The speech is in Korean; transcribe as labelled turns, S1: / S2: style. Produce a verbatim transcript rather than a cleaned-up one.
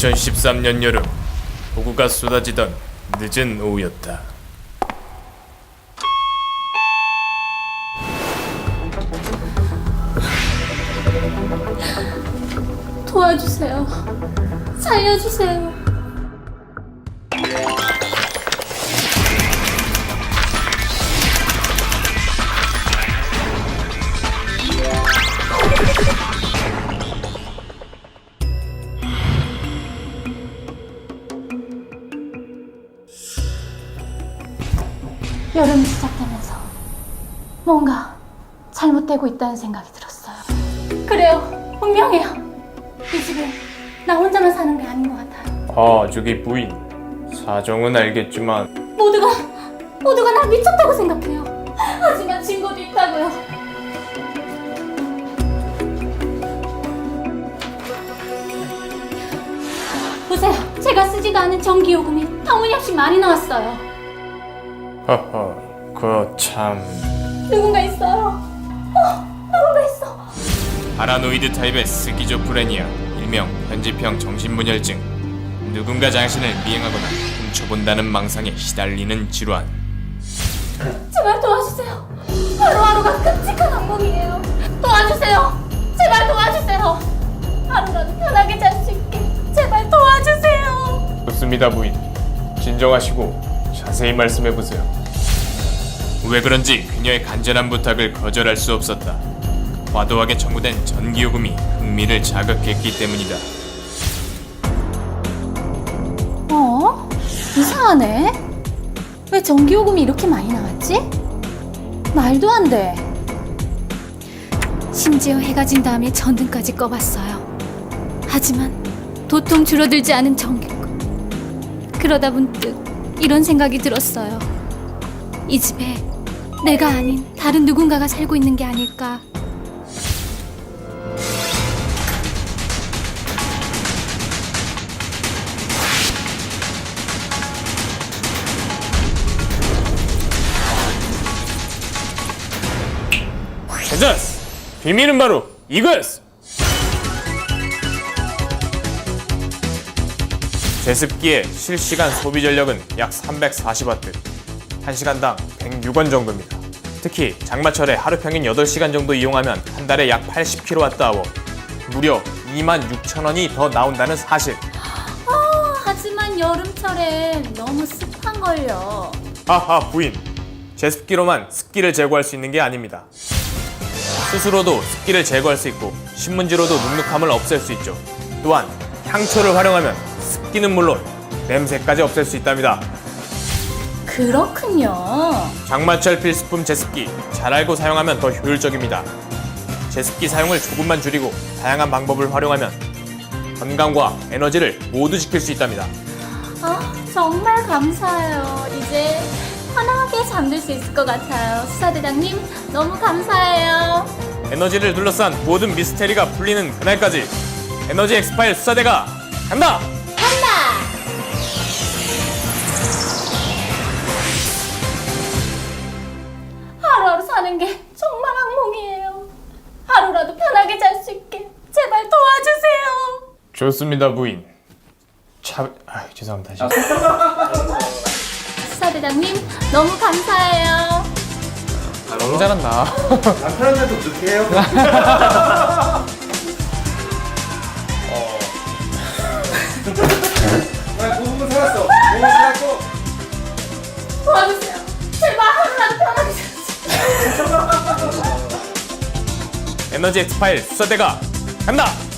S1: 이천십삼 년 여름 폭우가 쏟아지던 늦은 오후였다.
S2: 도와주세요. 살려주세요. 여름이 시작되면서 뭔가 잘못되고 있다는 생각이 들었어요. 그래요, 분명해요. 이 집에 나 혼자만 사는 게 아닌 것 같아요.
S1: 아, 저기 부인. 사정은 알겠지만
S2: 모두가 모두가 나 미쳤다고 생각해요. 하지만 증거도 있다고요. 보세요, 제가 쓰지도 않은 전기요금이 터무니없이 많이 나왔어요.
S1: 허허, 그 참...
S2: 누군가 있어요. 어, 누군가 있어.
S1: 파라노이드 타입의 스키조프레니아, 일명 편집형 정신분열증. 누군가 당신을 미행하거나 훔쳐본다는 망상에 시달리는 질환.
S2: 제발 도와주세요. 하루하루가 끔찍한 악몽이에요. 도와주세요. 제발 도와주세요. 하루라도 편하게 잘 수 있게 제발 도와주세요.
S1: 좋습니다, 부인. 진정하시고 자세히 말씀해보세요. 왜 그런지 그녀의 간절한 부탁을 거절할 수 없었다. 과도하게 청구된 전기요금이 흥미를 자극했기 때문이다.
S2: 어? 이상하네. 왜 전기요금이 이렇게 많이 나왔지? 말도 안 돼. 심지어 해가 진 다음에 전등까지 꺼봤어요. 하지만 도통 줄어들지 않은 전기요금. 그러다 문득 이런 생각이 들었어요. 이 집에 내가 아닌 다른 누군가가 살고 있는 게 아닐까.
S1: 괜찮았어! 비밀은 바로 이거였어! 제습기의 실시간 소비 전력은 약 삼백사십 와트, 한 시간당 백육 원 정도입니다. 특히 장마철에 하루 평균 여덟 시간 정도 이용하면 한 달에 약 팔십 킬로와트 아워, 무려 이만 육천 원이 더 나온다는 사실.
S2: 어, 하지만 여름철엔 너무 습한걸요.
S1: 하하, 부인. 제습기로만 습기를 제거할 수 있는 게 아닙니다. 스스로도 습기를 제거할 수 있고 신문지로도 눅눅함을 없앨 수 있죠. 또한 향초를 활용하면 습기는 물론 냄새까지 없앨 수 있답니다.
S2: 그렇군요.
S1: 장마철 필수품 제습기, 잘 알고 사용하면 더 효율적입니다. 제습기 사용을 조금만 줄이고 다양한 방법을 활용하면 건강과 에너지를 모두 지킬 수 있답니다.
S2: 아, 정말 감사해요. 이제 편하게 잠들 수 있을 것 같아요. 수사대장님, 너무 감사해요.
S1: 에너지를 둘러싼 모든 미스테리가 풀리는 그날까지 에너지 엑스파일 수사대가 간다!
S2: 간다! 하루하루 사는 게 정말 악몽이에요. 하루라도 편하게 잘 수 있게 제발 도와주세요.
S1: 좋습니다, 부인. 차... 아, 죄송합니다.
S2: 수사대장님, 너무 감사해요.
S1: 너무 잘한다.
S3: 남편한테도 그렇게 해요? 어. 나 그 부분 살았어. 부분 살았고.
S2: 도와주세요. 제발 하루라도 편하게 잘 수 있게.
S1: 에너지 엑스파일 수사대가 간다!